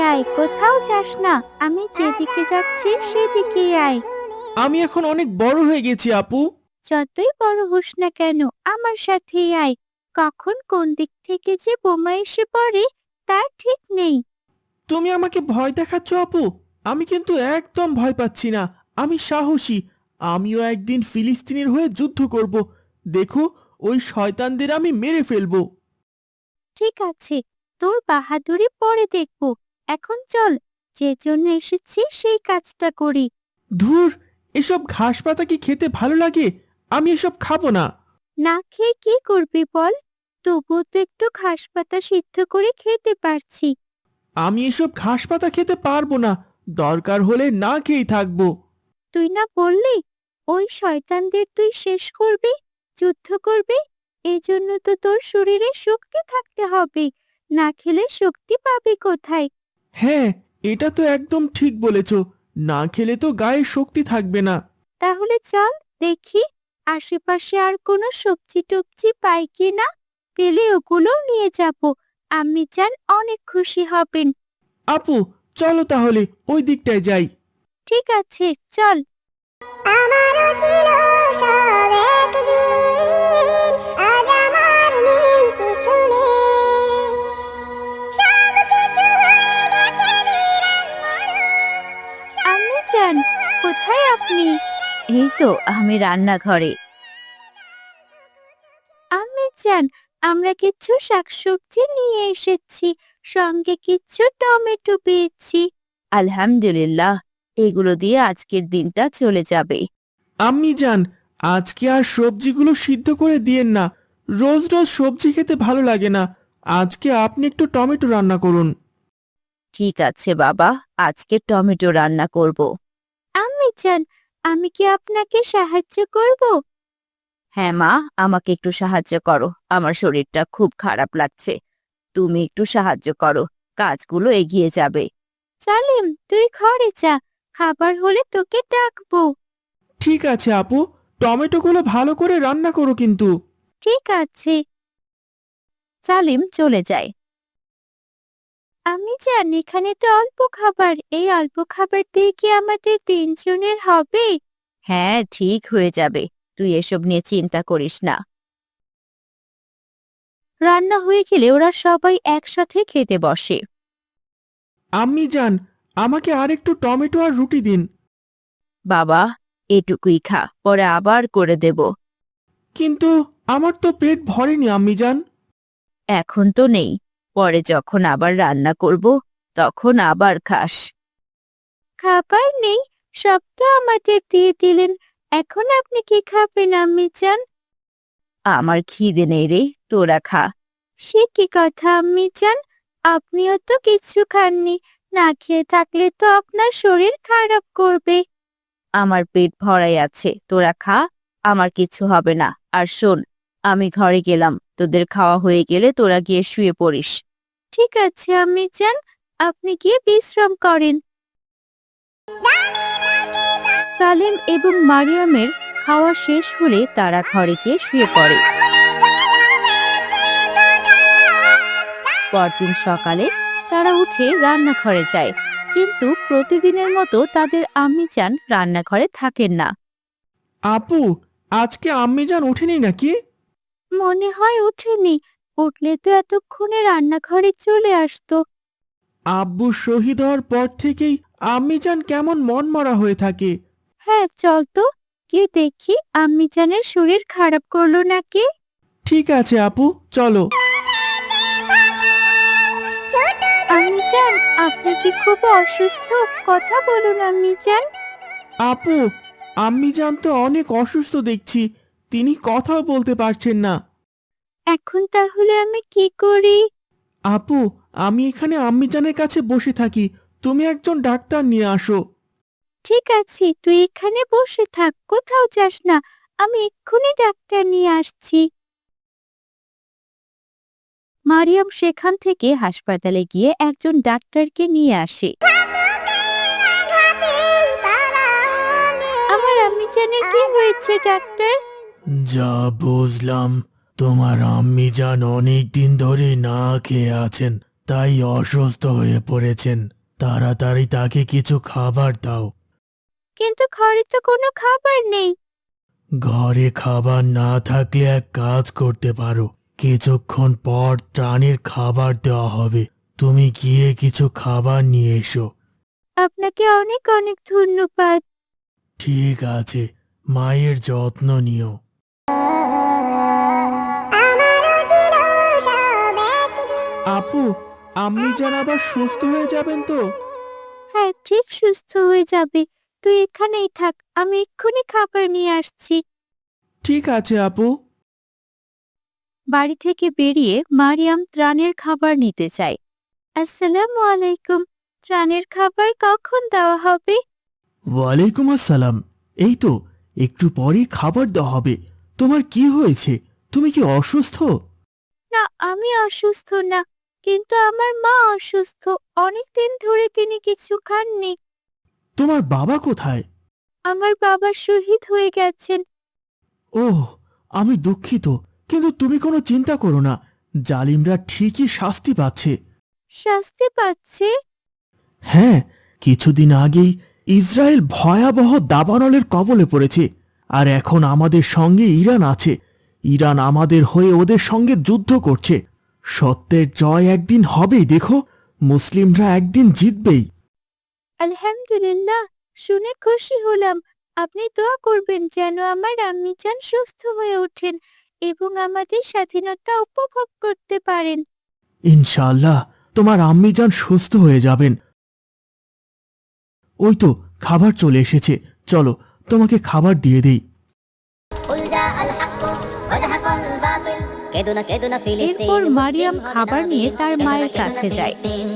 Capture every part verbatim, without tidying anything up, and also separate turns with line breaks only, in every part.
আয়, কোথাও যাস না। আমি যেদিকে যাচ্ছি সেদিকেই আয়।
আমি এখন অনেক বড় হয়ে গেছি আপু।
যতই বড় হোস না কেন, আমার সাথেই আয়। কখন কোন দিক থেকে যে বোমা এসে পড়ে তার ঠিক নেই।
তুমি আমাকে ভয় দেখাচ্ছ আপু? আমি কিন্তু একদম ভয় পাচ্ছি না। আমি সাহসী। আমিও একদিন ফিলিস্তিনের হয়ে যুদ্ধ করব। দেখো, ওই শয়তানদের আমি মেরে ফেলবো।
ঠিক আছে, তোর বাহাদুরি পরে দেখব। এখন চল, যে জন্য এসেছি সেই কাজটা করি।
ধুর, এসব ঘাস পাতা কি খেতে ভালো লাগে? আমি এসব খাবো না।
না খেয়ে কি করবি বল? তবুও তো একটু ঘাস পাতা সিদ্ধ করে খেতে পারছি।
আমি এসব ঘাস পাতা খেতে পারবো না। দরকার হলে না খেয়েই থাকবো।
তুই না বললি ওই শয়তানদের তুই শেষ করবি, যুদ্ধ করবি? এই জন্য তো তোর শরীরে শক্তি থাকতে হবে। না খেলে শক্তি পাবি কোথায়?
হ্যাঁ, এটা তো একদম ঠিক বলেছ। না খেলে তো গায়ে শক্তি থাকবে না।
তাহলে চল দেখি আশেপাশে আর কোনো সবজি টবজি পাই কিনা। পেলে ওগুলো নিয়ে যাব। আম্মি জান অনেক খুশি হবেন।
আপু, চলো তাহলে ওই দিকটায় যাই।
ঠিক আছে, চল। আমারও ছিল সব একদিন, আজ আমার নেই কিছু নেই। সবকিছু হয়ে গেছে বিরান মরণ। আম্মি জান, কোথায় আপনি? এই তো আমি রান্নাঘরে। আম্মি জান, আমরা কিছু শাকসবজি নিয়ে এসেছি, সঙ্গে কিছু টমেটো পেয়েছি। আলহামদুলিল্লাহ, এগুলো দিয়ে আজকের দিনটা চলে যাবে।
আম্মি যান, আজকে আর সবজিগুলো সিদ্ধ করে দিয়েন না। রোজ রোজ সবজি খেতে ভালো লাগে না। আজকে আপনি একটু টমেটো রান্না করুন।
ঠিক আছে বাবা, আজকে টমেটো রান্না করব। আম্মি জান, আমি কি আপনাকে সাহায্য করব? হ্যাঁ মা, আমাকে একটু সাহায্য করো। আমার শরীরটা খুব খারাপ লাগছে। তুমি একটু সাহায্য করো, কাজগুলো এগিয়ে যাবে। সালিম, তুই ঘরে যা, খাবার হলে তোকে ডাকবো।
ঠিক আছে আপু, টমেটোগুলো ভালো করে রান্না করো কিন্তু।
ঠিক আছে। সালিম চলে যায়। আমি জানি এখানে তো অল্প খাবার, এই অল্প খাবার দিয়ে কি আমাদের তিনজনের হবে? হ্যাঁ, ঠিক হয়ে যাবে। তুই এসব নিয়ে চিন্তা করিস না। রান্না হয়ে গেলে ওরা সবাই একসাথে খেতে বসে।
আম্মি যান, আমাকে আর একটু টমেটো আর রুটি দিন।
বাবা, এটুকুই খা, পরে আবার করে দেব।
কিন্তু আমার তো পেট ভরেনি আম্মি যান।
এখন তো নেই, পরে যখন আবার রান্না করব তখন আবার খাস। খাবার নেই, সব তো আমাদের দিয়ে দিলেন। এখন আপনি কি খাবেন আম্মি জান? আমার খিদে নেই রে, তোরা খা। সে কি কথা আম্মি জান, আপনিও তো কিছু খাননি। না খেয়ে থাকলে তো আপনার শরীর খারাপ করবে। আমার পেট ভরাই আছে, তোরা খা, আমার কিছু হবে না। আর শোন, আমি ঘরে গেলাম, তোদের খাওয়া হয়ে গেলে তোরা গিয়ে শুয়ে পড়িস। ঠিক আছে আম্মি জান, আপনি গিয়ে বিশ্রাম করেন। সালেম এবং মারিয়ামের খাওয়া শেষ হলে তারা ঘরে গিয়ে শুয়ে পড়ে। পরদিন সকালে তারা উঠে রান্নাঘরে যায়, কিন্তু প্রতিদিনের মতো তাদের আম্মি জান রান্নাঘরে থাকেন না।
আপু, আজকে আম্মি যান ওঠেনি নাকি?
মনে হয় উঠেনি, উঠলে তো এতক্ষণে রান্নাঘরে চলে আসতো।
আব্বু শহীদ হওয়ার পর থেকেই আম্মি যান কেমন মনমরা হয়ে থাকে।
হ্যাঁ, চল তো গিয়ে দেখি আম্মি জানের শরীর খারাপ করলো নাকি।
ঠিক আছে আপু, চলো।
আম্মি জান, আপনি কি খুব অসুস্থ? কথা বলুন আম্মি জান।
আপু, আম্মি যান তো অনেক অসুস্থ দেখছি। তিনি কথাও বলতে পারছেন না।
এখন তাহলে আমি কি করি?
আপু, আমি এখানে আম্মি জানের কাছে বসে থাকি। তুমি একজন ডাক্তার নিয়ে আসো।
ঠিক আছে, তুই এখানে বসে থাক, কোথাও যাস না। আমি এক্ষুনি ডাক্তার নিয়ে আসছি। মারিয়াম সেখান থেকে হাসপাতালে গিয়ে একজন ডাক্তারকে নিয়ে আসে। আমার আম্মি জানের কি হয়েছে ডাক্তার?
যা বুঝলাম, তোমার আম্মি যান অনেক দিন ধরে না খেয়ে আছেন, তাই অসুস্থ হয়ে পড়েছেন। তাড়াতাড়ি তাকে কিছু খাবার দাও।
কিন্তু ঘরে তো কোনো খাবার নেই।
ঘরে খাবার না থাকলে এক কাজ করতে পারো, কিছুক্ষণ পর প্রাণীর খাবার দেওয়া হবে, তুমি গিয়ে কিছু খাবার নিয়ে এসো।
আপনাকে অনেক অনেক ধন্যবাদ।
ঠিক আছে, মায়ের যত্ন নিও। আপু, আম্মি যেন আবার সুস্থ হয়ে যাবেন তো?
হ্যাঁ, ঠিক সুস্থ হয়ে যাবে। তুই এখানেই থাক, আমি এক্ষুনি খাবার নিয়ে আসছি।
ঠিক আছে আপু।
বাড়ি থেকে বেরিয়ে মারিয়াম ত্রাণের খাবার নিতে চায়। আসসালামু আলাইকুম, ত্রাণের খাবার কখন দেওয়া হবে?
ওয়ালাইকুম আসসালাম। এই তো একটু পরেই খাবার দেওয়া হবে। তোমার কি হয়েছে? তুমি কি অসুস্থ?
না, আমি অসুস্থ না, কিন্তু আমার মা অসুস্থ। অনেকদিন ধরে তিনি কিছু খাননি।
তোমার বাবা কোথায়?
আমার বাবা শহীদ হয়ে গেছেন।
ওহ, আমি দুঃখিত, কিন্তু তুমি কোনো চিন্তা করো না, জালিমরা ঠিকই শাস্তি পাচ্ছে।
শাস্তি পাচ্ছে?
হ্যাঁ, কিছুদিন আগেই ইসরায়েল ভয়াবহ দাবানলের কবলে পড়েছে, আর এখন আমাদের সঙ্গে ইরান আছে। ইরান আমাদের হয়ে ওদের সঙ্গে যুদ্ধ করছে। সত্যের জয় একদিন হবেই, দেখো, মুসলিমরা একদিন জিতবেই।
আলহামদুলিল্লাহ, শুনে খুশি হলাম। আপনি দোয়া করবেন যেন আমার আম্মিজান সুস্থ হয়ে ওঠেন এবং আমাদের স্বাধীনতা উপভোগ করতে পারেন।
ইনশাআল্লাহ তোমার আম্মিজান সুস্থ হয়ে যাবেন। ওই তো খাবার চলে এসেছে, চলো তোমাকে খাবার দিয়ে দেই।
এরপর মারিয়াম খাবার নিয়ে তার মায়ের কাছে যায়।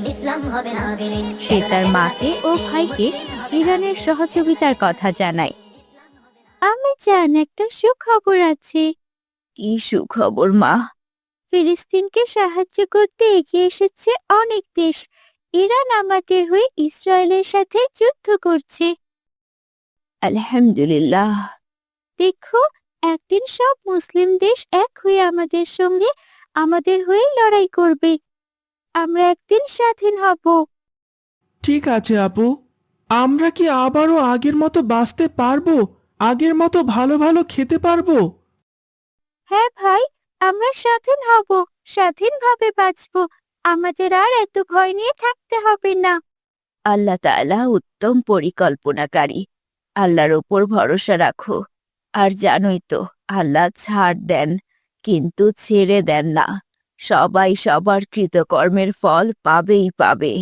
সে তার মাকে ও ভাইকে ইরানের সহযোগিতার কথা জানায়। আমি জান, একটা সুখবর আছে। কি সুখবর মা? ফিলিস্তিনকে সাহায্য করতে এগিয়ে এসেছে অনেক দেশ। ইরান আমাদের হয়ে ইসরায়েলের সাথে যুদ্ধ করছে। আলহামদুলিল্লাহ। দেখো, একদিন সব মুসলিম দেশ এক হয়ে আমাদের সঙ্গে আমাদের হয়ে লড়াই করবে। আমরা একদিন স্বাধীন হব।
ঠিক আছে আপু, আমরা কি আবারও আগের মতো বাঁচতে পারবো? আগের মতো ভালো ভালো খেতে পারবো?
হ্যাঁ ভাই, আমরা স্বাধীন হব, স্বাধীনভাবে বাঁচব। আমাদের আর এত ভয় নিয়ে থাকতে হবে না। আল্লাহ তাআলা উত্তম পরিকল্পনাকারী। আল্লাহর ওপর ভরসা রাখো। আর জানোই তো, আল্লাহ ছাড় দেন কিন্তু ছেড়ে দেন না। সবাই সবার কৃতকর্মের ফল পাবেই পাবে।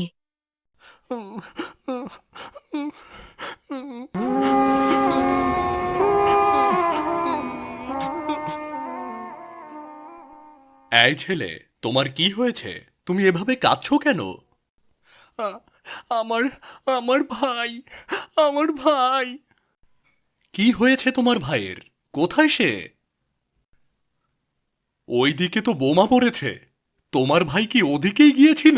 এই ছেলে, তোমার কি হয়েছে? তুমি এভাবে কাঁদছো কেন? আ- আমার আমার ভাই, আমার ভাই। কি হয়েছে তোমার ভাইয়ের? কোথায় সে? ওই দিকে তো বোমা পড়েছে। তোমার ভাই কি ওদিকেই গিয়েছিল?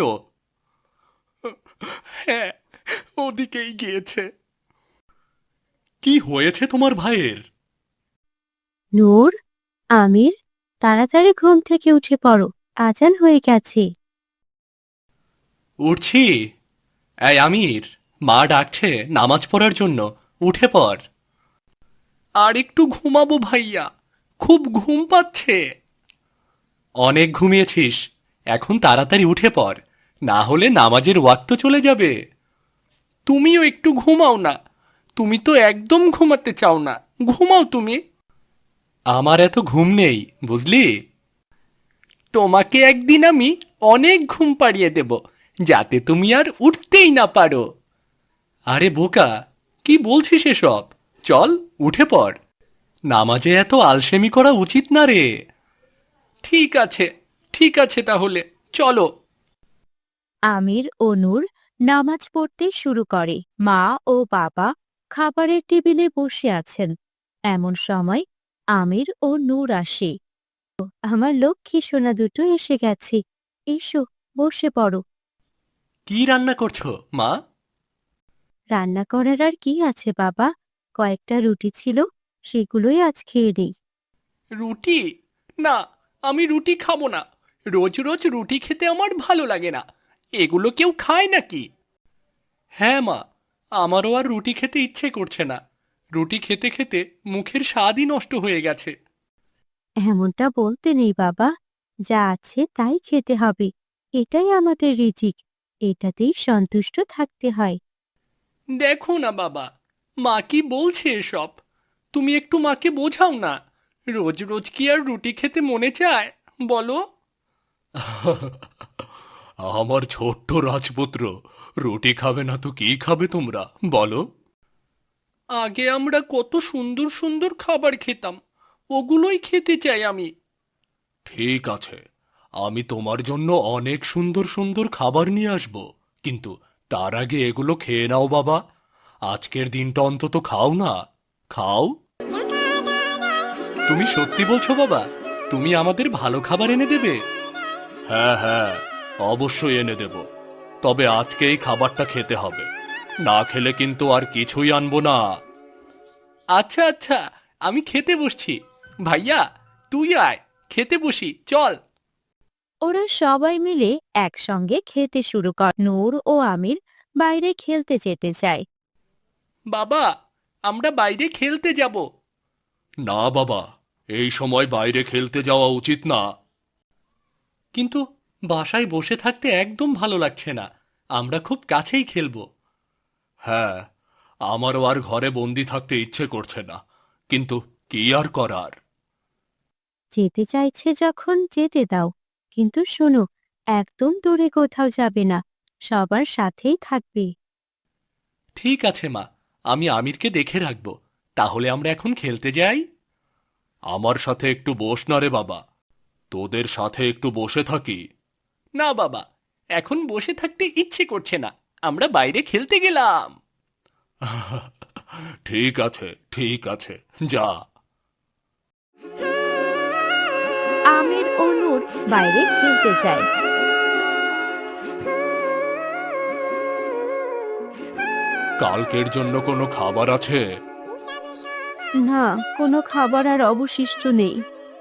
হ্যাঁ, ওদিকেই গিয়েছে। কি হয়েছে তোমার ভাইয়ের?
নূর, আমির, তাড়াতাড়ি ঘুম থেকে উঠে পড়ো, আজান হয়ে গেছে।
উঠছি। এই আমির, মা ডাকছে নামাজ পড়ার জন্য, উঠে পড়। আর একটু ঘুমাবো ভাইয়া, খুব ঘুম পাচ্ছে। অনেক ঘুমিয়েছিস, এখন তাড়াতাড়ি উঠে পড়, না হলে নামাজের ওয়াক্ত চলে যাবে। তুমিও একটু ঘুমাও না, তুমি তো একদম ঘুমাতে চাও না, ঘুমাও তুমি। আমার এত ঘুম নেই, বুঝলি? তোমাকে একদিন আমি অনেক ঘুম পাড়িয়ে দেব, যাতে তুমি আর উঠতেই না পারো। আরে বোকা, কি বলছিস এসব? চল, উঠে পড়। নামাজে এত আলসেমি করা উচিত না রে। ঠিক আছে, ঠিক আছে, তাহলে চলো।
আমির ও নূর নামাজ পড়তে শুরু করে। মা ও বাবা খাবারের টেবিলে বসে আছেন। এমন সময় আমির ও নূর আসে। আমার লক্ষ্মী সোনা দুটো এসে গেছে। এসো, বসে পড়ো।
কি রান্না করছো মা?
রান্না করার আর কি আছে বাবা? কয়েকটা রুটি ছিল, সেগুলোই আজ খেয়ে নেই।
রুটি? না, আমি রুটি খাবো না। রোজ রোজ রুটি খেতে আমার ভালো লাগে না। এগুলো কেউ খায় নাকি? হ্যাঁ মা, আমারও আর রুটি খেতে ইচ্ছে করছে না। রুটি খেতে খেতে মুখের স্বাদই নষ্ট হয়ে গেছে।
এমনটা বলতে নেই বাবা, যা আছে তাই খেতে হবে। এটাই আমাদের রিজিক, এটাতেই সন্তুষ্ট থাকতে হয়।
দেখো না বাবা, মা কি বলছে এসব? তুমি একটু মাকে বোঝাও না। রোজ রোজ কি আর রুটি খেতে মনে চায় বলো? আমার ছোট্ট রাজপুত্র, রুটি খাবে না তো কি খাবে তোমরা বলো? আগে আমরা কত সুন্দর সুন্দর খাবার খেতাম, ওগুলোই খেতে চাই আমি। ঠিক আছে, আমি তোমার জন্য অনেক সুন্দর সুন্দর খাবার নিয়ে আসব, কিন্তু তার আগে এগুলো খেয়ে নাও বাবা। আজকের দিনটা অন্তত খাও না, খাও। তুমি সত্যি বলছো বাবা? তুমি আমাদের ভালো খাবার এনে দেবে? হ্যাঁ হ্যাঁ, অবশ্যই এনে দেব। তবে আজকে এই খাবারটা খেতে হবে, না খেলে কিন্তু আর কিছুই আনবো না। আচ্ছা আচ্ছা, আমি খেতে বসছি। ভাইয়া, তুই আয়, খেতে বসি চল।
ওরা সবাই মিলে একসঙ্গে খেতে শুরু কর। নূর ও আমির বাইরে খেলতে যেতে চায়।
বাবা, আমরা বাইরে খেলতে যাব। না বাবা, এই সময় বাইরে খেলতে যাওয়া উচিত না। কিন্তু বাসায় বসে থাকতে একদম ভালো লাগছে না, আমরা খুব কাছেই খেলবো। হ্যাঁ, আমারও আর ঘরে বন্দি থাকতে ইচ্ছে করছে না, কিন্তু কি আর করার।
যেতে চাইছে যখন যেতে দাও, কিন্তু শোনো, একদম দূরে কোথাও যাবে না, সবার সাথেই থাকবে।
ঠিক আছে মা, আমি আমিরকে দেখে রাখবো। তাহলে আমরা এখন খেলতে যাই। আমার সাথে একটু বস না রে বাবা, তোদের সাথে একটু বসে থাকি। না বাবা, এখন বসে থাকতে ইচ্ছে করছে না, আমরা বাইরে খেলতে গেলাম। ঠিক আছে ঠিক আছে, যা।
আমির ও নূর বাইরে খেলতে যায়।
কালকের জন্য কোনো খাবার আছে?
না, কোনো খাবার আর অবশিষ্ট নেই।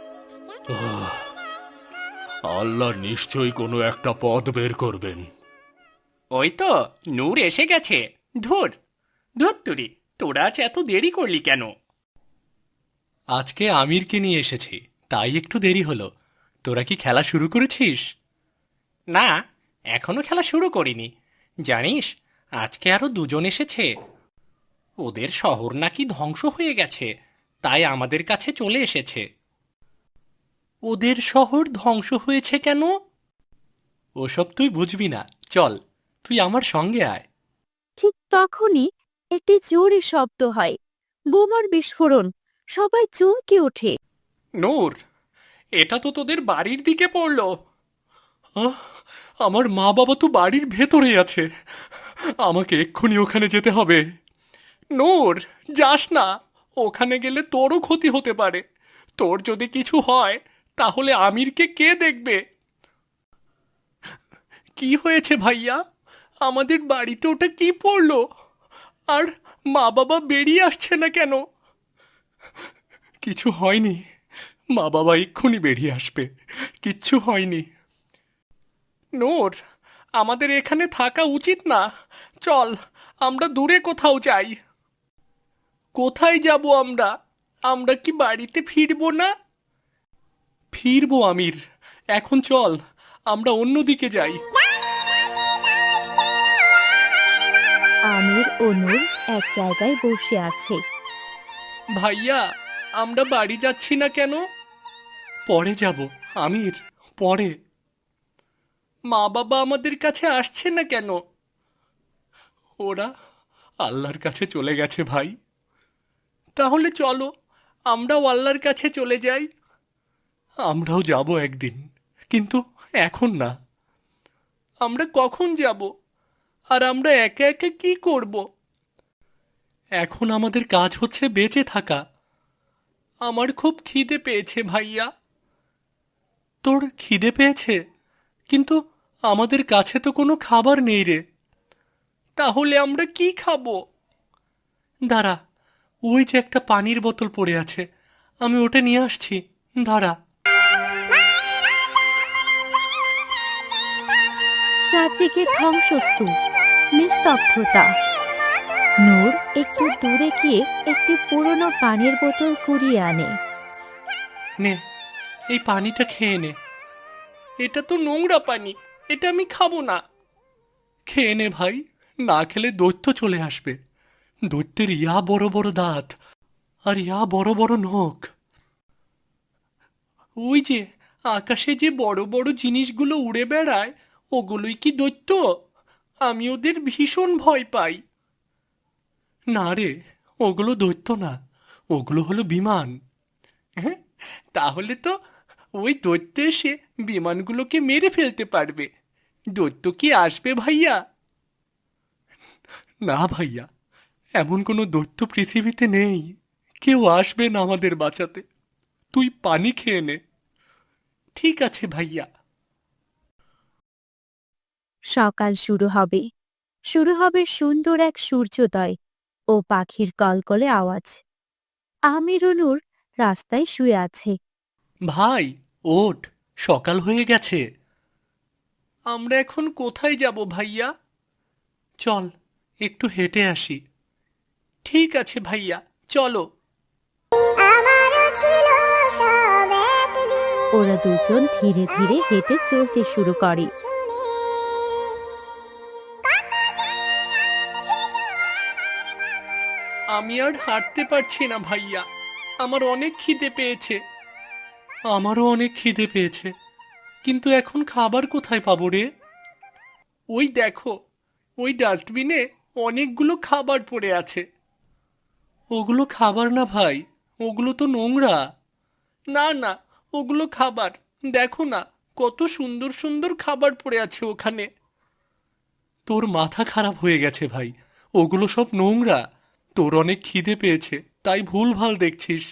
আল্লাহ নিশ্চয়ই কোনো একটা পথ বের করবেন। ওই তো নূর এসে গেছে। ধুর ধুর তুরি, তোরা আজ এত দেরি করলি কেন? আজকে আমিরকে নিয়ে এসেছি, তাই একটু দেরি হলো। তোরা কি খেলা শুরু করেছিস? না, এখনো খেলা শুরু করিনি। জানিস, আজকে আরো দুজন এসেছে। ওদের শহর নাকি ধ্বংস হয়ে গেছে, তাই আমাদের কাছে চলে এসেছে। ওদের শহর ধ্বংস হয়েছে কেন? ওসব তুই বুঝবি না, চল তুই আমার সঙ্গে আয়।
ঠিক তখনই একটি জোরে শব্দ হয়, বোমার বিস্ফোরণ। সবাই চমকে ওঠে।
নূর, এটা তো তোদের বাড়ির দিকে পড়লো। আহ, আমার মা বাবা তো বাড়ির ভেতরেই আছে, আমাকে এক্ষুনি ওখানে যেতে হবে। নূর, যাস না, ওখানে গেলে তোরও ক্ষতি হতে পারে। তোর যদি কিছু হয় তাহলে আমিরকে কে দেখবে? কি হয়েছে ভাইয়া? আমাদের বাড়িতে ওটা কি পড়লো? আর মা বাবা বেরিয়ে আসছে না কেন? কিছু হয়নি, মা বাবা এক্ষুনি বেরিয়ে আসবে, কিচ্ছু হয়নি। নূর, আমাদের এখানে থাকা উচিত না, চল আমরা দূরে কোথাও যাই। কোথায় যাব আমরা? আমরা কি বাড়িতে ফিরবো না? ফিরবো আমির, এখন চল আমরা অন্যদিকে যাই।
আমির ও নূর এক জায়গায় বসে আছে।
ভাইয়া, আমরা বাড়ি যাচ্ছি না কেন? পরে যাব আমির, পরে। মা বাবা আমাদের কাছে আসছে না কেন? ওরা আল্লাহর কাছে চলে গেছে ভাই। তাহলে চলো আমরাও আল্লাহর কাছে চলে যাই। আমরাও যাব একদিন, কিন্তু এখন না। আমরা কখন যাব? আর আমরা একা একা কি করব? এখন আমাদের কাজ হচ্ছে বেঁচে থাকা। আমার খুব খিদে পেয়েছে ভাইয়া। তোর খিদে পেয়েছে? কিন্তু আমাদের কাছে তো কোনো খাবার নেই রে। তাহলে আমরা কি খাবো? দাঁড়া, ওই যে একটা পানির বোতল পড়ে আছে, আমি ওটা নিয়ে আসছি, দাঁড়া।
চারদিকে ধ্বংসস্তূপ, নিস্তব্ধতা। নূর একটু দূরে গিয়ে একটি পুরনো পানির বোতল কুড়িয়ে আনে।
নে, এই পানিটা খেয়ে নে। এটা তো নোংরা পানি, এটা আমি খাবো না। খেয়ে নে ভাই, না খেলে দৈত্য চলে আসবে। দৈত্যের ইয়া বড় বড় দাঁত আর ইয়া বড় বড় নখ। ওই যে আকাশে যে বড় বড় জিনিসগুলো উড়ে বেড়ায়, ওগুলোই কি দৈত্য? আমি ওদের ভীষণ ভয় পাই। না রে, ওগুলো দৈত্য না, ওগুলো হলো বিমান। হ্যাঁ, তাহলে তো ওই দৈত্য এসে বিমানগুলোকে মেরে ফেলতে পারবে। দৈত্য কি আসবে ভাইয়া? না ভাইয়া, এমন কোনো দৈত্য পৃথিবীতে নেই। কেউ আসবে না আমাদের বাঁচাতে। তুই পানি খেয়ে নে। ঠিক আছে ভাইয়া।
সকাল শুরু হবে। শুরু হবে সুন্দর এক সূর্যোদয় ও পাখির কলকলে আওয়াজ। আমির ও নূর রাস্তায় শুয়ে আছে।
ভাই, ওঠ, সকাল হয়ে গেছে। আমরা এখন কোথায় যাব ভাইয়া? চল, একটু হেঁটে আসি। ঠিক আছে ভাইয়া, চলো।
ওরা দুজন ধীরে ধীরে হেঁটে চলতে শুরু করে।
আমি আর হাঁটতে পারছি না ভাইয়া, আমার অনেক খিদে পেয়েছে। আমারও অনেক খিদে পেয়েছে, কিন্তু এখন খাবার কোথায় পাবো রে? ওই দেখো, ওই ডাস্টবিনে অনেকগুলো খাবার পড়ে আছে। ওগুলো খাবার না ভাই, ওগুলো তো নোংরা। না না, ওগুলো খাবার। দেখো না, কত সুন্দর সুন্দর খাবার পড়ে আছে ওখানে। তোর মাথা খারাপ হয়ে গেছে ভাই, ওগুলো সব নোংরা। তোর অনেক খিদে পেয়েছে, তাই ভুলভাল দেখছিস।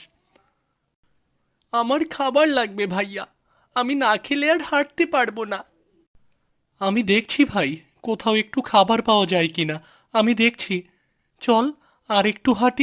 আমার খাবার লাগবে ভাইয়া, আমি না খেলে আর হাঁটতে পারবো না। আমি দেখছি ভাই, কোথাও একটু খাবার পাওয়া যায় কিনা। আমি দেখছি, চল আর একটু হাঁটি।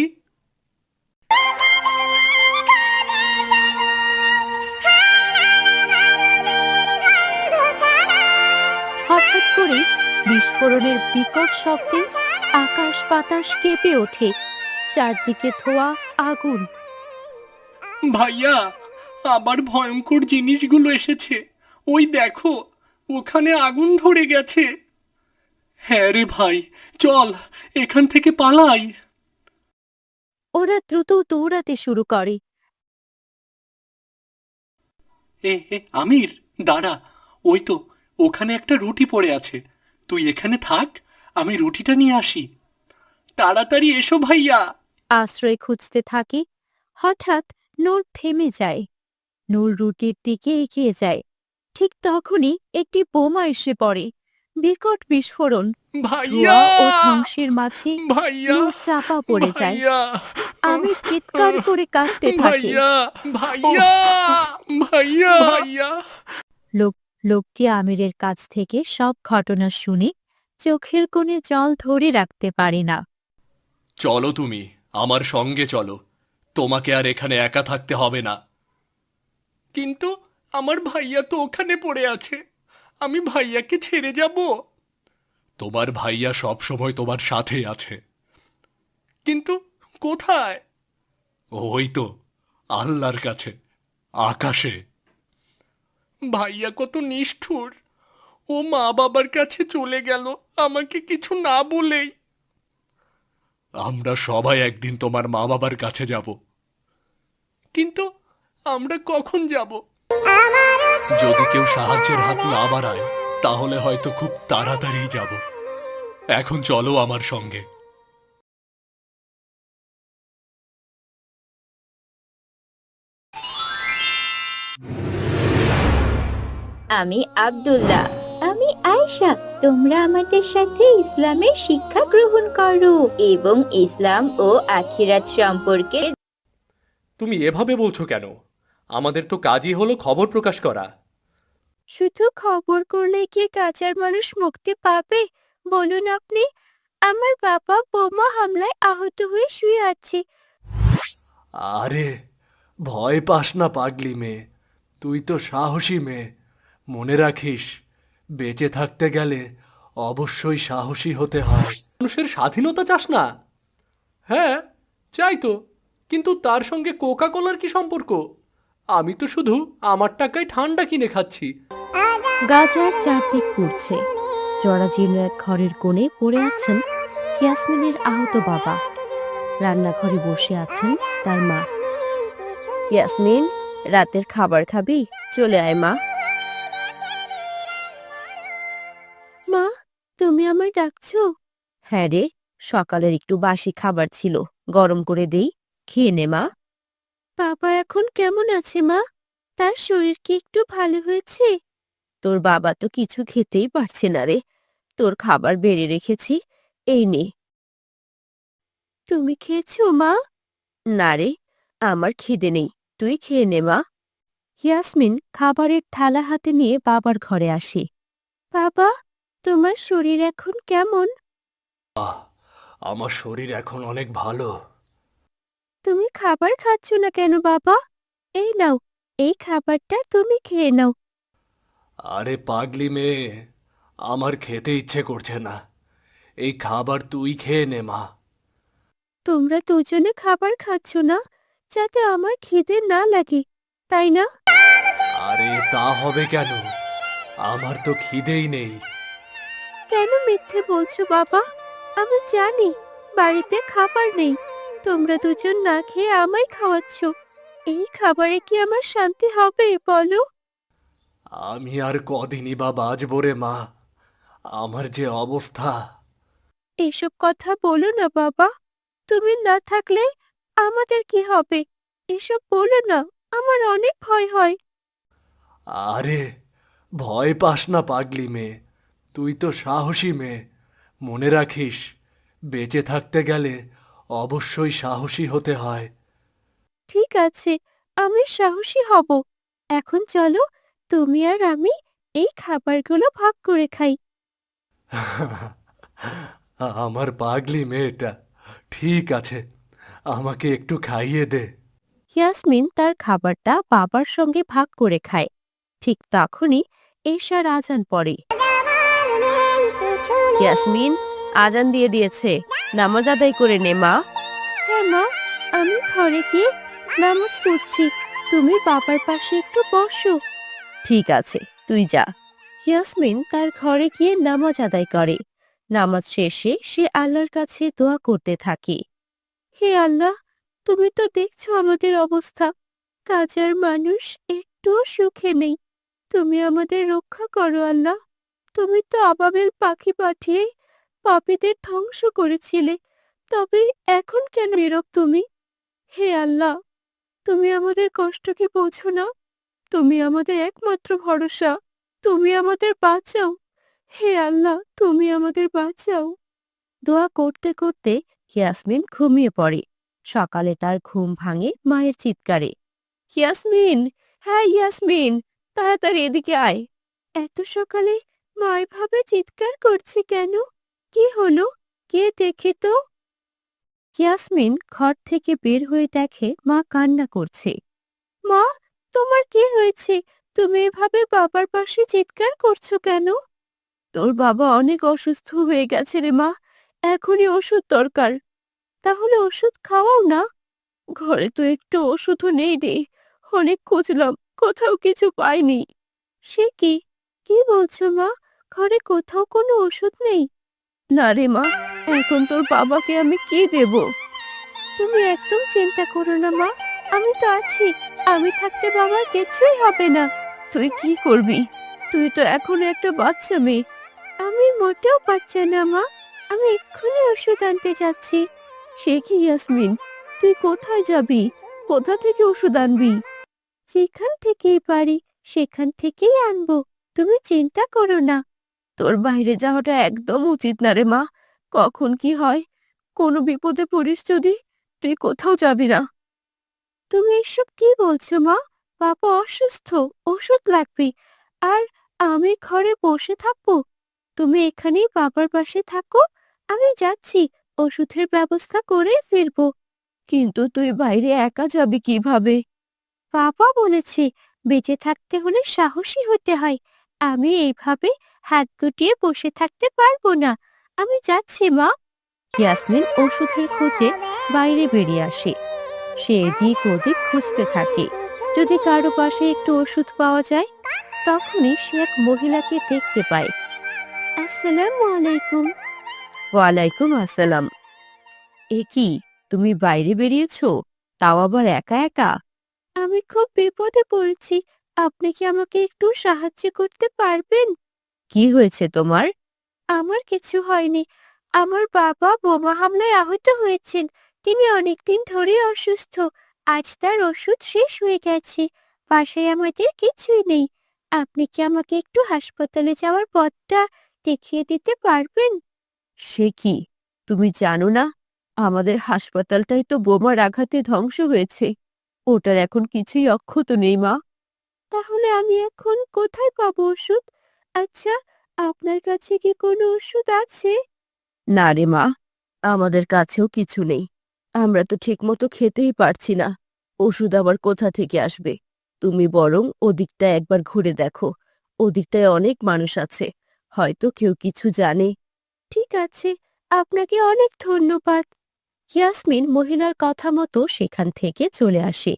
হঠাৎ করে বিস্ফোরণের বিকট শব্দে আকাশ বাতাস কেঁপে ওঠে। চারদিকে ধোঁয়া, আগুন।
ভাইয়া, আবার ভয়ঙ্কর জিনিসগুলো এসেছে। ওই দেখো, ওখানে আগুন ধরে গেছে। হ্যাঁ রে ভাই, চল এখান থেকে পালাই।
ওরা দ্রুত দৌড়াতে শুরু করে।
এ এ আমির, দাঁড়া। ওই তো, ওখানে একটা রুটি পড়ে আছে। তুই এখানে থাক, আমি রুটিটা নিয়ে আসি। তাড়াতাড়ি এসো ভাইয়া।
আশ্রয় খুঁজতে থাকে। হঠাৎ নূর থেমে যায়। নূর রুটির দিকে এগিয়ে যায়। ঠিক তখনই একটি বোমা এসে পড়ে। বিকট বিস্ফোরণ।
ভাইয়া,
ধোঁয়া ও ধ্বংসের মাঝে
ভাইয়া,
নূর চাপা পড়ে যায়।
ভাইয়া,
আমি চিৎকার করে কাঁদতে থাকে।
ভাইয়া, ভাইয়া, ভাইয়া, ভাইয়া।
লোক লোকটি আমিরের কাছ থেকে সব ঘটনা শুনে চোখের কোণে জল ধরে রাখতে পারে না।
চলো, তুমি আমার সঙ্গে চলো। তোমাকে আর এখানে একা থাকতে হবে না। কিন্তু আমার ভাইয়া তো ওখানে পড়ে আছে, আমি ভাইয়াকে ছেড়ে যাব? তোমার ভাইয়া সব সময় তোমার সাথে আছে। কিন্তু কোথায়? ওই তো, আল্লাহর কাছে, আকাশে। ভাইয়া কত নিষ্ঠুর, ও মা বাবার কাছে চলে গেল আমাকে কিছু না বলেই। আমরা সবাই একদিন তোমার মা বাবার কাছে যাব। কিন্তু আমরা কখন যাব? যদি কেউ সাহায্যের হাত না বাড়ায়, তাহলে হয়তো খুব তাড়াতাড়ি যাব। এখন চলো আমার সঙ্গে।
আমি আব্দুল্লাহ। আমি আয়েশা। তোমরা আমাদের সাথে ইসলামের শিক্ষা গ্রহণ করো এবং ইসলাম ও আখিরাত সম্পর্কে।
তুমি এভাবে বলছো কেন? আমাদের তো কাজই হলো খবর প্রকাশ করা।
শুধু খবর করলে কি কাজের মানুষ মুক্তি পাবে বলুন আপনি? আমার বাবা বোমা হামলায় আহত হয়ে শুয়ে আছে।
আরে, ভয় পাস না পাগলি মেয়ে, তুই তো সাহসী মেয়ে। মনে রাখিস, বেঁচে থাকতে গেলে অবশ্যই সাহসী হতে হয়। মানুষের স্বাধীনতা চাস না? হ্যাঁ, চাই তো, কিন্তু তার সঙ্গে কোকা কোলার কি সম্পর্ক? আমি তো শুধু আমার টাকায় ঠান্ডা কিনে খাচ্ছি।
গাজার চারদিক পুড়ছে। জরাজীর্ণ এক ঘরের কোণে পড়ে আছেন ইয়াসমিনের আহত বাবা। রান্নাঘরে বসে আছেন তার মা। ইয়াসমিন, রাতের খাবার খাবি? চলে আয় মা। মা, তুমি আমায় ডাকছো? হ্যাঁ রে, সকালের একটু বাসি খাবার ছিল, গরম করে দেই, খেয়ে নে মা। বাবা এখন কেমন আছে মা? তার শরীর কি একটু ভালো হয়েছে? তোর বাবা তো কিছু খেতেই পারছে না রে। তোর খাবার বেড়ে রেখেছি, এই নে। তুমি খেয়েছো মা? না রে, আমার খিদে নেই, তুই খেয়ে নে মা। ইয়াসমিন খাবারের থালা হাতে নিয়ে বাবার ঘরে আসে। বাবা, তোমার শরীর এখন কেমন?
আহ, আমার শরীর এখন অনেক ভালো।
তুমি খাবার খাচ্ছ না কেন বাবা? এই নাও, এই খাবারটা তুমি খেয়ে নাও।
আরে পাগলি মেয়ে, আমার খেতে ইচ্ছে করছে না, এই খাবার তুই খেয়ে নে মা।
তোমরা দুজনে খাবার খাচ্ছ না যাতে আমার খিদে না লাগে, তাই না?
আরে তা হবে কেন, আমার তো খিদেই নেই।
কেন মিথ্যে বলছো বাবা? আমি জানি বাড়িতে খাবার নেই, তোমরা দুজন না খেয়ে আমায় খাওয়াচ্ছ। এই খাবারে কি আমার শান্তি হবে বলো?
আমি আর কদিনই বা বাঁচবো রে মা, আমার যে অবস্থা।
এসব কথা বলো না বাবা, তুমি না থাকলে আমাদের কি হবে? এসব বলো না, আমার অনেক ভয় হয়।
আরে ভয় পাস না পাগলি মেয়ে, তুই তো সাহসী মেয়ে। মনে রাখিস, বেঁচে থাকতে গেলে অবশ্যই সাহসী হতে হয়।
ঠিক আছে, আমি সাহসী হব। এখন চলো, তুমি আর আমি এই খাবারগুলো ভাগ করে খাই।
আমার পাগলি মেয়েটা, ঠিক আছে, আমাকে একটু খাইয়ে দে।
ইয়াসমিন তার খাবারটা বাবার সঙ্গে ভাগ করে খায়। ঠিক তখনই এশার আজান পড়ে। ইয়াসমিন, আজান দিয়ে দিয়েছে, নামাজ আদায় করে নে মা। হ্যাঁ মা, আমি ঘরে গিয়ে নামাজ পড়ছি, তুমি বাবার পাশে একটু বসো। ঠিক আছে, তুই যা। ইয়াসমিন তার ঘরে গিয়ে নামাজ আদায় করে। নামাজ শেষে সে আল্লাহর কাছে দোয়া করতে থাকে। হে আল্লাহ, তুমি তো দেখছো আমাদের অবস্থা, কাজার মানুষ একটুও সুখে নেই। তুমি আমাদের রক্ষা করো আল্লাহ। তুমি তো আবাবিল পাখি পাঠিয়ে পাপীদের ধ্বংস করেছিলে, তবে এখন কেন নীরব তুমি? হে আল্লাহ, তুমি আমাদের কষ্টকে বোঝো না? তুমি আমাদের একমাত্র ভরসা, তুমি আমাদের বাঁচাও। হে আল্লাহ, তুমি আমাদের বাঁচাও। দোয়া করতে করতে ইয়াসমিন ঘুমিয়ে পড়ে। সকালে তার ঘুম ভাঙে মায়ের চিৎকারে। ইয়াসমিন, হ্যাঁ ইয়াসমিন, তাড়াতাড়ি এদিকে আয়। এত সকালে মা এভাবে চিৎকার করছে কেন? কি হলো? কে দেখে তো। ইয়াসমিন ঘর থেকে বের হয়ে দেখে মা কান্না করছে। মা, তোমার কি হয়েছে? তুমি এভাবে বাবার পাশে চিৎকার করছো কেন? তোর বাবা অনেক অসুস্থ হয়ে গেছে রে মা, এখনই ওষুধ দরকার। তাহলে ওষুধ খাওয়াও না। ঘরে তো একটু ওষুধও নেই রে, অনেক খুঁজলাম, কোথাও কিছু পাইনি। সে কি, কি বলছো মা? ঘরে কোথাও কোনো ওষুধ নেই? না রে মা, এখন তোর বাবাকে আমি কি দেব? তুমি একদম চিন্তা করো না মা, আমি তো আছি। আমি থাকতে বাবার কিছুই হবে না। তুই কি করবি? তুই তো এখন একটা বাচ্চা মেয়ে। আমি মোটেও বাচ্চা না মা, আমি এক্ষুনি ওষুধ আনতে যাচ্ছি। সে কি ইয়াসমিন, তুই কোথায় যাবি? কোথা থেকে ওষুধ আনবি? যেখান থেকেই পারি সেখান থেকেই আনবো, তুমি চিন্তা করো না। তোর বাইরে যাওয়াটা একদম উচিত না রে মা, কখন কি হয়, কোনো বিপদে পড়িস যদি, তুই কোথাও যাবি না। তুমি এসব কি বলছো মা? বাবা অসুস্থ, ওষুধ লাগবে, আর আমি ঘরে বসে থাকবো? তুমি এখানেই বাবার পাশে থাকো, আমি যাচ্ছি, ওষুধের ব্যবস্থা করে ফিরবো। কিন্তু তুই বাইরে একা যাবি কিভাবে? বাবা বলেছে বেঁচে থাকতে হলে সাহসী হতে হয়, আমি এইভাবে হাত গুটিয়ে বসে থাকতে পারবো না। আমি যাচ্ছি মা। ইয়াসমিন ওষুধের খোঁজে বাইরে বেরিয়ে আসে। সে এদিক ওদিক খুঁজতে থাকে, যদি কারো পাশে একটু ওষুধ পাওয়া যায়। তখনই সে এক মহিলাকে দেখতে পায়। আসসালামু আলাইকুম। ওয়ালাইকুম আসসালাম। এ কি, তুমি বাইরে বেরিয়েছো, তাও আবার একা একা? আমি খুব বিপদে পড়েছি, আপনি কি আমাকে একটু সাহায্য করতে পারবেন? কি হয়েছে তোমার? আমার কিছু হয়নি। আমার বাবা বোমা হামলায় আহত হয়েছেন। তিনি অনেকদিন ধরে অসুস্থ। আজ তার ওষুধ শেষ হয়ে গেছে। বাসায় আমাদের কিছুই নেই। আপনি কি আমাকে একটু হাসপাতালে যাওয়ার পথটা দেখিয়ে দিতে পারবেন? সে কি, তুমি জানো না আমাদের হাসপাতালটাই তো বোমার আঘাতে ধ্বংস হয়েছে। ওটার এখন কিছুই অক্ষত নেই মা। তাহলে আমি এখন কোথায় পাবো ওষুধ? আচ্ছা, আপনার কাছে কি কোনো ওষুধ আছে? না রে মা, আমাদের কাছেও কিছু নেই। আমরা তো ঠিকমতো খেতেই পারছি না। ওষুধ আবার কোথা থেকে আসবে? তুমি বরং ওদিকটা একবার ঘুরে দেখো। ওদিকটায় অনেক মানুষ আছে, হয়তো কেউ কিছু জানে। ঠিক আছে, আপনাকে অনেক ধন্যবাদ। ইয়াসমিন মহিলার কথা মতো সেখান থেকে চলে আসে।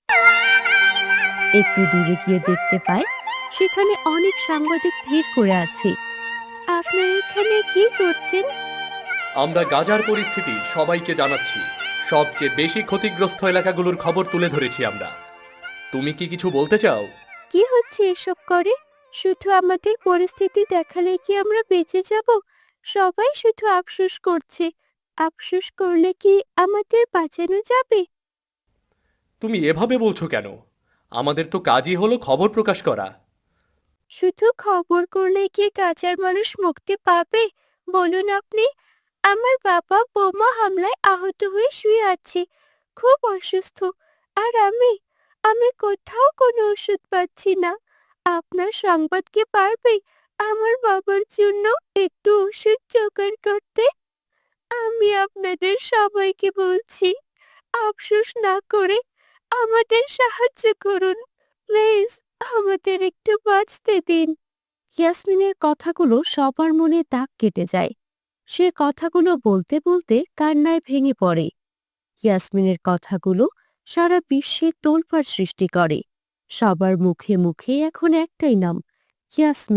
একটু দূরে গিয়ে দেখতে পায় সেখানে অনেক সাংবাদিক ভিড় করে আছে। আপনারা এখানে কি করছেন?
আমরা গাজার পরিস্থিতি সবাইকে জানাচ্ছি। সবচেয়ে বেশি ক্ষতিগ্রস্ত এলাকাগুলোর খবর তুলে ধরেছি আমরা। তুমি কি কিছু বলতে চাও?
কি হচ্ছে এসব করে? শুধু আমাদের পরিস্থিতি দেখালে কি আমরা বেঁচে যাব? সবাই শুধু আফসোস করছে। আফসোস করলে কি আমাদের বাঁচানো যাবে?
তুমি এভাবে বলছো কেন? আমাদের তো কাজই হলো খবর প্রকাশ করা।
শুধু খবর করলে কি গাজার মানুষ মুক্তি পাবে? বলুন আপনি। আমার বাবা বোমা হামলায় আহত হয়ে শুয়ে আছে, খুব অসুস্থ। আর আমি আমি কোথাও কোনো ওষুধ পাচ্ছি না। আপনার সংবাদ কি পারবে আমার বাবার জন্য একটু ওষুধ জোগাড় করতে? আমি আপনাদের সবাইকে বলছি, আফসোস না করে আমাদের সাহায্য করুন। প্লিজ, আমাদের একটু বাঁচতে দিন। ইয়াসমিনের কথাগুলো সবার মনে দাগ কেটে যায়। সে কথাগুলো বলতে বলতে কান্নায় ভেঙে পড়ে। ইয়াসমিনের কথাগুলো সারা বিশ্বে তোলপাড় সৃষ্টি করে। সবার মুখে মুখে এখন একটাই নাম, ইয়াসমিন।